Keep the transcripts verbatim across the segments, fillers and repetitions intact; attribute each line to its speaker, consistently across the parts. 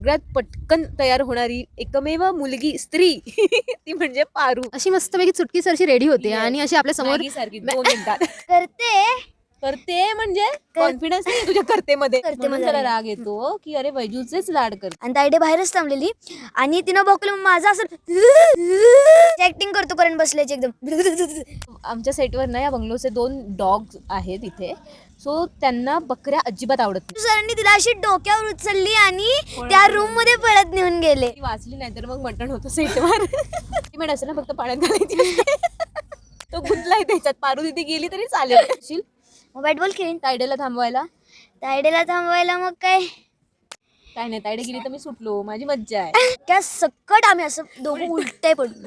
Speaker 1: सगळ्यात पटकन तयार होणारी एकमेव मुलगी स्त्री ती म्हणजे पारू.
Speaker 2: अशी मस्तपैकी चुटकी सरशी रेडी होते
Speaker 1: Yes.
Speaker 2: आणि अशी आपल्या समोर
Speaker 1: मॅगी सारखी दोन मिनिटात
Speaker 3: करते
Speaker 1: करते. म्हणजे कॉन्फिडन्स नाही तुझ्या करतेमध्ये,
Speaker 3: करते
Speaker 1: म्हणून
Speaker 3: मध्ये
Speaker 1: त्याला
Speaker 3: आहे.
Speaker 1: राग येतो की अरे वैजूचेच लाड करते.
Speaker 3: आणि ताईडे बाहेरच थांबलेली आणि तिनं बघलं माझं असं ऍक्टिंग करतो कारण बसल्याची एकदम.
Speaker 1: आमच्या सेटवर ना या बंगलोचे दोन डॉग आहेत इथे, सो त्यांना बकऱ्या अजिबात आवडत नाही.
Speaker 3: सरांनी तिला अशी डोक्यावर उचलली आणि त्या रूम मध्ये पळत नेऊन गेले.
Speaker 1: ती वाचली नाही तर मग मटण होतं सेटवर. ती म्हणत असं ना फक्त पाण्यात घालायची. तो गुंतलाय त्याच्यात. पारू तिथे गेली तरी चालेल.
Speaker 3: मग बॅट बॉल खेळीन.
Speaker 1: तायडेला थांबवायला
Speaker 3: तायडेला थांबवायला मग काय
Speaker 1: काय नाही, तायडे गेली तर मी सुटलो, माझी मज्जा आहे.
Speaker 3: त्या सकट आम्ही असं दोघं उलटे पडलो.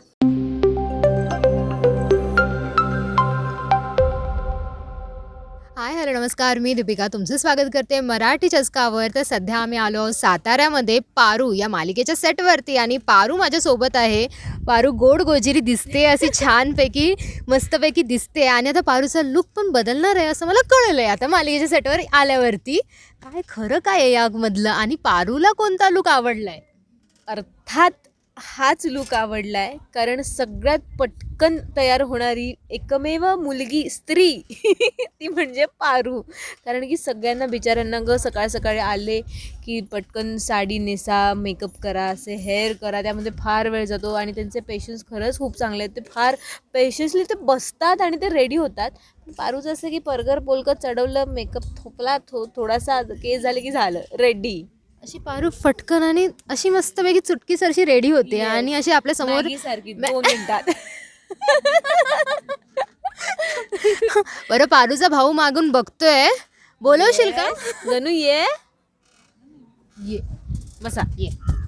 Speaker 2: हाय हॅलो नमस्कार, मी दीपिका तुमचं स्वागत करते मराठी चस्कावर. तर सध्या आम्ही आलो आहोत साताऱ्यामध्ये पारू या मालिकेच्या सेटवरती आणि पारू माझ्यासोबत आहे. पारू गोड गोजिरी दिसते, अशी छानपैकी मस्तपैकी दिसते आणि आता पारूचा लुक पण बदलणार आहे असं मला कळलं आहे आता मालिकेच्या सेटवर आल्यावरती. काय खरं काय आहे यामधलं आणि पारूला कोणता लुक आवडला आहे?
Speaker 1: अर्थात हाच लुक आवडलाय, कारण सगळ्यात पटकन तयार होणारी एकमेव मुलगी स्त्री ती म्हणजे पारू. कारण की सगळ्यांना बिचाऱ्यांना ग सकाळ सकाळी आले की पटकन साडी नेसा, मेकअप करा, असे हेअर करा, त्यामध्ये फार वेळ जातो आणि त्यांचे पेशन्स खरंच खूप चांगले आहेत. ते फार पेशन्सली ते बसतात आणि ते रेडी होतात. पारूचं असं की परगर पोलकं चढवलं, मेकअप थोपला, थो थोडासा केस झाले की झालं रेडी.
Speaker 2: अशी पारू फटकन आणि अशी मस्तपैकी चुटकी सरशी रेडी होते
Speaker 1: Yes.
Speaker 2: आणि अशी आपल्या समोर
Speaker 1: मॅगी सारखी दोन मिनिटात.
Speaker 2: बरं पारूचा भाऊ मागून बघतोय, बोलवशील का?
Speaker 1: गणू ये
Speaker 2: ये
Speaker 1: बसा ये.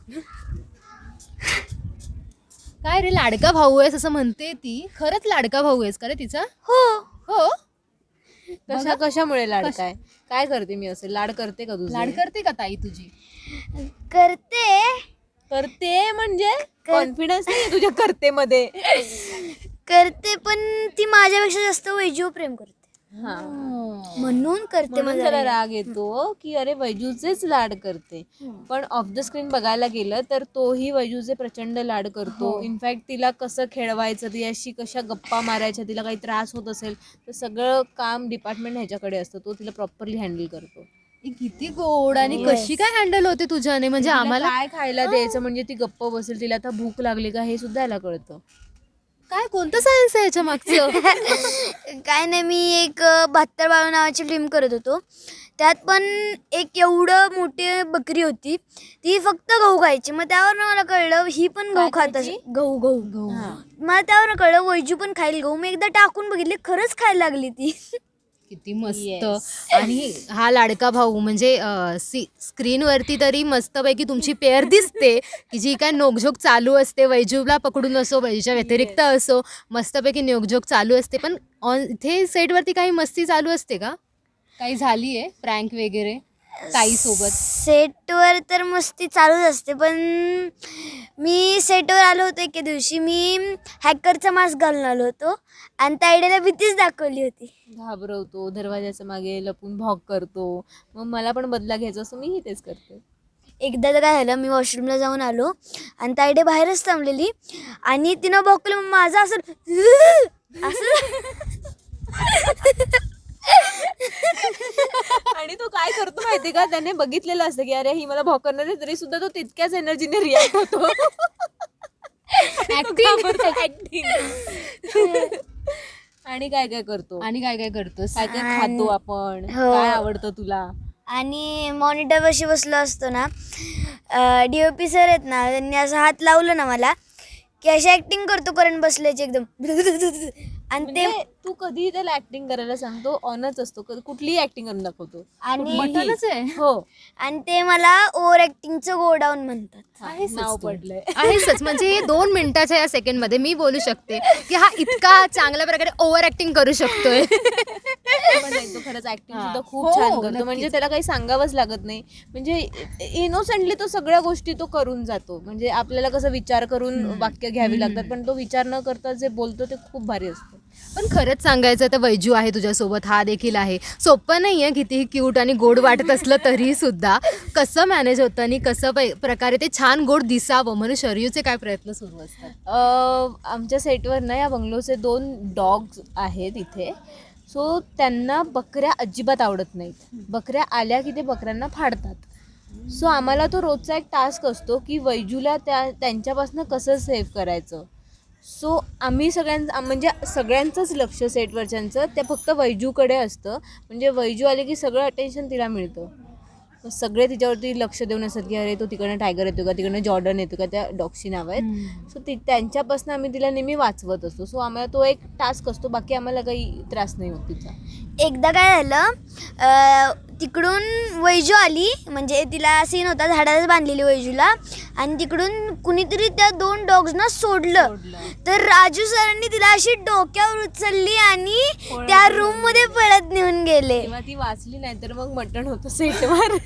Speaker 2: काय रे लाडका भाऊ आहेस असं म्हणते ती. खरंच लाडका भाऊ आहेस का रे तिचा?
Speaker 3: हो
Speaker 2: हो.
Speaker 1: कशा कशामुळे लाड काय काय करते मी असे लाड करते का तुझे?
Speaker 2: लाड करते का ताई तुझी?
Speaker 3: करते
Speaker 1: करते म्हणजे कॉन्फिडन्स नाही तुझ्या करतेमध्ये.
Speaker 3: करते पण ती माझ्यापेक्षा जास्त वैजू प्रेम करते
Speaker 1: हा
Speaker 3: म्हणून करते.
Speaker 1: म्हणून
Speaker 3: माझा
Speaker 1: त्याला राग येतो की अरे वैजूचेच लाड करते. पण ऑफ द स्क्रीन बघायला गेलं तर तोही वैजूचे प्रचंड लाड करतो. इनफॅक्ट तिला कसं खेळवायचं, तिच्याशी कशा गप्पा मारायच्या, तिला काही त्रास होत असेल तर सगळं काम डिपार्टमेंट ह्याच्याकडे असतं, तो तिला प्रॉपरली हँडल करतो.
Speaker 2: ही किती गोड आणि कशी काय हँडल होते तुझ्याने? म्हणजे
Speaker 1: तिला
Speaker 2: आम्हाला
Speaker 1: काय खायला द्यायचं म्हणजे ती गप्प बसेल, तिला आता भूक लागली का हे सुद्धा याला कळतं.
Speaker 2: काय कोणतं सायन्स आहे याच्या मागचं?
Speaker 3: काय नाही, मी एक बहात्तर बाळू नावाची फिल्म करत होतो. त्यात पण एक एवढं मोठी बकरी होती, ती फक्त गहू खायची. मग त्यावर मला कळलं ही पण गहू
Speaker 1: काय
Speaker 3: खात
Speaker 1: खायची?
Speaker 3: असेल. गहू गहू
Speaker 1: हा.
Speaker 3: मला त्यावर कळलं वैजू पण खाईल गहू. मी एकदा टाकून बघितले, खरंच खायला लागली ती.
Speaker 2: किती मस्त.
Speaker 1: Yes.
Speaker 2: आणि हा लाडका भाऊ म्हणजे अं, सी स्क्रीनवरती तरी मस्तपैकी तुमची पेअर दिसते की जी काय नोकझोक चालू असते, वैजूला पकडून असो, वैजूच्या व्यतिरिक्त असो, मस्तपैकी नोकझोक चालू असते. पण ऑन इथे सेटवरती काही मस्ती चालू असते का? काही झाली आहे प्रँक वगैरे ताईसोबत?
Speaker 3: सेटवर तर मस्ती चालूच असते, पण मी सेटवर आलो होतो एके दिवशी. मी हॅकरचा मास्क घालून आलो होतो आणि त्या आयडियाला भीतीच दाखवली होती.
Speaker 1: घाबरवतो, दरवाजाच्या मागे लपून भॉक करतो. मग मला पण बदला घ्यायचा असं मीही तेच करते.
Speaker 3: एकदा तर काय झालं, मी वॉशरूमला जाऊन आलो आणि त्या आयडिया बाहेरच थांबलेली आणि तिनं बघलं माझं असं असं
Speaker 1: आणि तो काय करतो माहिती का, त्याने बघितलेलं असतं की अरे ही मला भॉक करणार आहे, तरी सुद्धा तो तितक्याच एनर्जीने रिॲक्ट होतो. ऍक्टिंग. आणि काय काय करतो,
Speaker 2: आणि काय काय करतोस?
Speaker 1: काय काय खातो आपण,
Speaker 3: हो.
Speaker 1: काय आवडतं तुला?
Speaker 3: आणि मॉनिटरपाशी बसलो असतो ना, डी ओ पी सर आहेत ना, त्यांनी असं हात लावलं ना मला की अशी ॲक्टिंग करतो करंट बसल्याची एकदम. आणि ते
Speaker 1: म्हणजे तू कधी त्याला ऍक्टिंग करायला सांगतो, ऑनच असतो, कधी कुठलीही ऍक्टिंग करून दाखवतो.
Speaker 3: आणि
Speaker 2: बटनच आहे.
Speaker 1: हो
Speaker 3: आणि ते मला ओव्हर ॲक्टिंगचं गोडाऊन म्हणतात.
Speaker 1: हा, नाव पडलंय.
Speaker 2: आहेच. म्हणजे हे दोन मिनिटाच्या या सेकंडमध्ये मी बोलू शकते की हा इतका चांगल्या प्रकारे ओव्हर ऍक्टिंग करू शकतोय.
Speaker 1: पण नाही, तो खरंच ऍक्टिंग सुद्धा खूप
Speaker 2: हो,
Speaker 1: छान करतो.
Speaker 2: नक्कीच.
Speaker 1: म्हणजे त्याला काही सांगावंच लागत नाही. म्हणजे इनोसेंटली तो सगळ्या गोष्टी तो करून जातो. म्हणजे आपल्याला कसं विचार करून वाक्य घ्यावी लागतात, पण तो विचार न करता जे बोलतो ते खूप भारी असतं.
Speaker 2: पण खरंच सांगायचं तर वैजू आहे तुझ्यासोबत, हा देखील आहे. सोपं नाही आहे कितीही क्यूट आणि गोड वाटत असलं तरी सुद्धा. कसं मॅनेज होतं आणि कसं पै प्रकारे ते छान गोड दिसावं म्हणून शरयूचे काय प्रयत्न सुरू असतात?
Speaker 1: अ, आमच्या सेटवर ना या बंगलोचे दोन डॉग्स आहेत इथे. सो त्यांना बकऱ्या अजिबात आवडत नाहीत. बकऱ्या आल्या की ते बकऱ्यांना फाडतात. सो आम्हाला तो रोजचा एक टास्क असतो की वैजूला त्या त्यांच्यापासून कसं सेव्ह करायचं. सो आम्ही सगळ्यां म्हणजे सगळ्यांचंच लक्ष सेटवरच्यांचं ते फक्त वैजूकडे असतं. म्हणजे वैजू आले की सगळं अटेन्शन तिला मिळतं. सगळे तिच्यावरती लक्ष देऊन असतात की अरे तो तिकडनं टायगर येतो का, तिकडनं जॉर्डन येतो का, त्या डॉगची नावं आहेत. सो ती त्यांच्यापासून आम्ही तिला नेहमी वाचवत असतो. सो आम्हाला तो एक टास्क असतो, बाकी आम्हाला काही त्रास नाही होत तिचा.
Speaker 3: एकदा काय झालं, अ, तिकडून वैजू आली, म्हणजे तिला सीन होता झाडालाच बांधलेली वैजूला, आणि तिकडून कुणीतरी त्या दोन डॉग्सना सोडलं. तर राजू सरांनी तिला अशी डोक्यावर उचलली आणि त्या रूम मध्ये पळत नेऊन गेले.
Speaker 1: तेव्हा ती वाचली नाही तर मग मटण होतं सेटवर.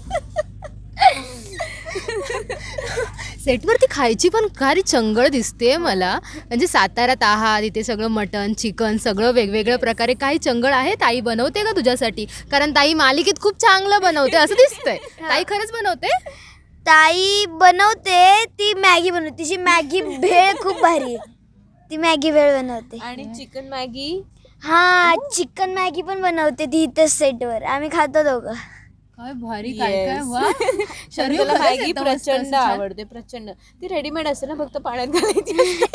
Speaker 2: सेटवरती खायची पण भारी चंगळ दिसते मला. म्हणजे साताऱ्यात आहात, इथे सगळं मटन चिकन सगळं वेगवेगळ्या प्रकारे काही चंगळ आहे. ताई बनवते का तुझ्यासाठी? कारण ताई मालिकेत खूप चांगलं बनवते असं दिसतंय. ताई खरंच बनवते?
Speaker 3: ताई बनवते, ती मॅगी बनवते. तिची मॅगी भेळ खूप भारी आहे. ती मॅगी भेळ बनवते.
Speaker 1: आणि चिकन मॅगी,
Speaker 3: हा, चिकन मॅगी पण बनवते ती इथं सेटवर. आम्ही खातो दोघं.
Speaker 2: काय भारी, काय काय
Speaker 1: Yes.
Speaker 2: वा. शरयू
Speaker 1: त्याला
Speaker 2: खरंच
Speaker 1: मॅगी
Speaker 2: येतं मस्त
Speaker 1: प्रचंड
Speaker 2: असं छान.
Speaker 1: आवडते, प्रचंड. ती रेडीमेड असते ना, फक्त पाण्यात घालायची असते.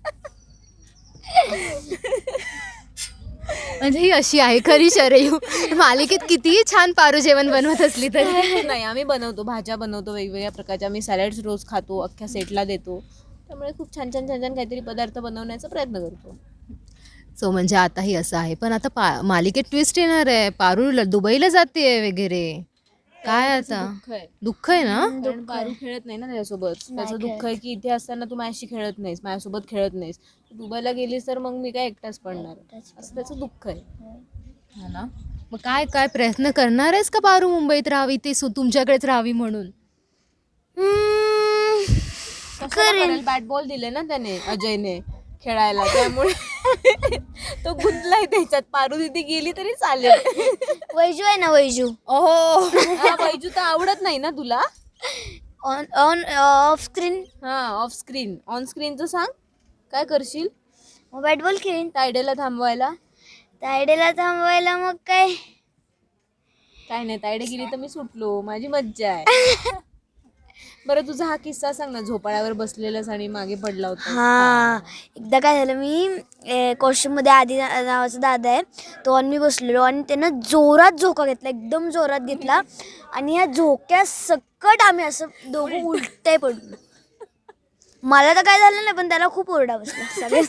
Speaker 2: म्हणजे ही अशी आहे खरी शरयू. मालिकेत कितीही छान पारू जेवण बनवत असली तरी.
Speaker 1: नाही, आम्ही बनवतो, भाज्या बनवतो वेगवेगळ्या प्रकारच्या. आम्ही सॅलड्स रोज खातो, अख्ख्या सेटला देतो. त्यामुळे खूप छान छान छान छान काहीतरी पदार्थ बनवण्याचा प्रयत्न करतो.
Speaker 2: सो म्हणजे आताही असं आहे. पण आता पा मालिकेत ट्विस्ट येणार आहे. पारू ल- दुबईला जाते वगैरे. काय आता
Speaker 1: दुःख आहे.
Speaker 2: दुःख आहे ना?
Speaker 1: कारण पारू खेळत नाही ना त्याच्यासोबत. त्याचं
Speaker 3: खेळत.
Speaker 1: दुःख आहे की इथे असताना तू माझ्याशी खेळत नाहीस, माझ्यासोबत खेळत नाहीस. तू दुबईला गेलीस तर मग मी काय एकटाच पडणार, असं त्याचं दुःख आहे.
Speaker 2: हा ना. मग काय काय प्रयत्न करणार आहेस का पारू मुंबईत राहावी, ते सु- तुमच्याकडेच राहावी म्हणून?
Speaker 3: हम्म,
Speaker 1: करेल. बॅट बॉल दिले ना त्याने अजयने खेळायला, त्यामुळे तो गुंतलाय त्याच्यात. पारू तिथे गेली तरी चालेल.
Speaker 3: वैजू आहे ना, वैजू
Speaker 1: ओहो, हा, वैजू तर आवडत नाही ना तुला?
Speaker 3: ऑन ऑन ऑफ स्क्रीन
Speaker 1: हा, ऑफ स्क्रीन. ऑन स्क्रीनचं सांग, काय करशील
Speaker 3: बॅट बॉल खेळीन.
Speaker 1: तायडेला थांबवायला?
Speaker 3: तायडेला थांबवायला मग काय,
Speaker 1: काय नाही, तायडे गेली तर मी सुटलो, माझी मज्जा आहे. बरं, तुझा हा किस्सा सांग ना, झोपाळ्यावर बसलेलास आणि मागे पडला होता.
Speaker 3: हा, एकदा काय झालं, मी कॉस्ट्युम मध्ये आधी ना- नावाचा दादा आहे तो, आणि मी बसलेलो, आणि त्यानं जोरात झोका घेतला, एकदम जोरात घेतला, आणि ह्या झोक्या सकट आम्ही असं दोघं उलटे पडलो. मला तर काय झालं नाही, पण त्याला खूप ओरडा बसला सगळे.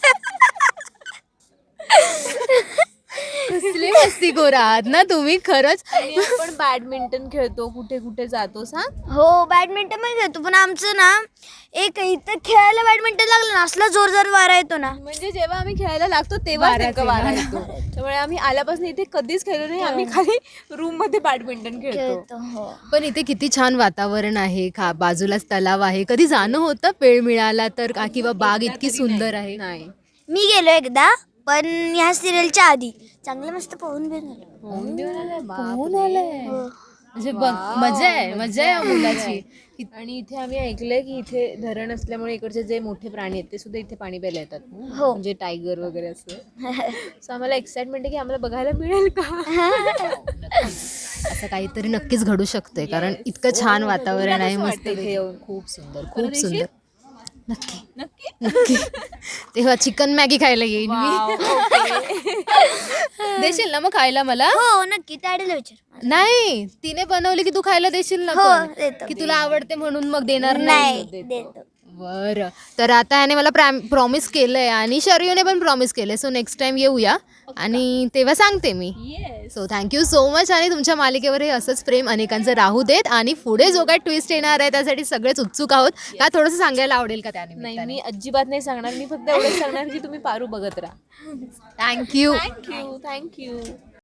Speaker 2: कसले मस्तीखोर आहात ना तुम्ही खरंच.
Speaker 1: आणि आपण बॅडमिंटन खेळतो, कुठे कुठे जातो सांग.
Speaker 3: हो, बॅडमिंटन पण खेळतो, पण आमचं ना एक इथं खेळायला बॅडमिंटन लागलं ना, असला जोरदार वारा येतो ना.
Speaker 1: म्हणजे जेव्हा आम्ही खेळायला लागतो तेव्हा नेमका वारा येतो. त्यामुळे आम्ही आल्यापासून इथे कधीच खेळलो नाही. आम्ही खाली रूम मध्ये बॅडमिंटन खेळतो.
Speaker 3: खेळतो हो.
Speaker 2: पण इथे किती छान वातावरण आहे, खा बाजूलाच तलाव आहे. कधी जाणं होतं वेळ मिळाला तर का, किंवा बाग इतकी सुंदर आहे.
Speaker 1: नाही,
Speaker 3: मी गेलो एकदा, पण ह्या सिरियलच्या आधी चांगलं मस्त पोहून बिन आलो.
Speaker 1: होऊन देऊन आलाय, बाप
Speaker 2: होऊन
Speaker 1: रे.
Speaker 2: आलंय. म्हणजे बघ, मजा आहे, मजा आहे या मुलाची.
Speaker 1: आणि इथे आम्ही ऐकलंय की इथे धरण असल्यामुळे इकडचे जे मोठे प्राणी आहेत ते सुद्धा इथे पाणी प्यायला येतात.
Speaker 3: हो.
Speaker 1: म्हणजे टायगर वगैरे असं. सो आम्हाला एक्साइटमेंट आहे की आम्हाला बघायला मिळेल का.
Speaker 2: असं काहीतरी नक्कीच घडू शकते, कारण इतकं छान वातावरण आहे. मस्त
Speaker 1: वाटतं इथे येऊन.
Speaker 2: खूप सुंदर,
Speaker 1: परत
Speaker 2: खूप
Speaker 1: येशील?
Speaker 2: सुंदर. नक्की
Speaker 1: नक्की.
Speaker 2: नक्की. तेव्हा चिकन मॅगी खायला येईन मी.
Speaker 1: Wow, okay.
Speaker 2: देशील ना मग खायला मला?
Speaker 3: हो, नक्की, तायडेला विचार.
Speaker 2: नाही, तिने बनवली की तू खायला देशील ना
Speaker 3: हो,
Speaker 2: पण?
Speaker 3: देतो.
Speaker 2: की तुला आवडते म्हणून मग देणार
Speaker 3: नाही,
Speaker 2: नाही?
Speaker 3: देतो.
Speaker 2: बरं, तर आता ह्याने मला प्रॉमिस केलंय आणि शरयूने पण प्रॉमिस केलंय. सो नेक्स्ट टाइम येऊया आणि तेव्हा सांगते मी. So thank you so much. आणि तुमच्या मालिकेवर हे असंच प्रेम अनेकांचं राहू देत. आणि पुढे जो काय ट्विस्ट येणार आहे त्यासाठी सगळेच उत्सुक आहोत. का थोडंसं सांगायला आवडेल का
Speaker 1: नाही,
Speaker 2: त्यानिमित्ताने?
Speaker 1: मी अजिबात नाही सांगणार. मी फक्त एवढंच सांगणार की तुम्ही पारू बघत राहा.
Speaker 2: थँक्यू.
Speaker 1: Thank you, thank you.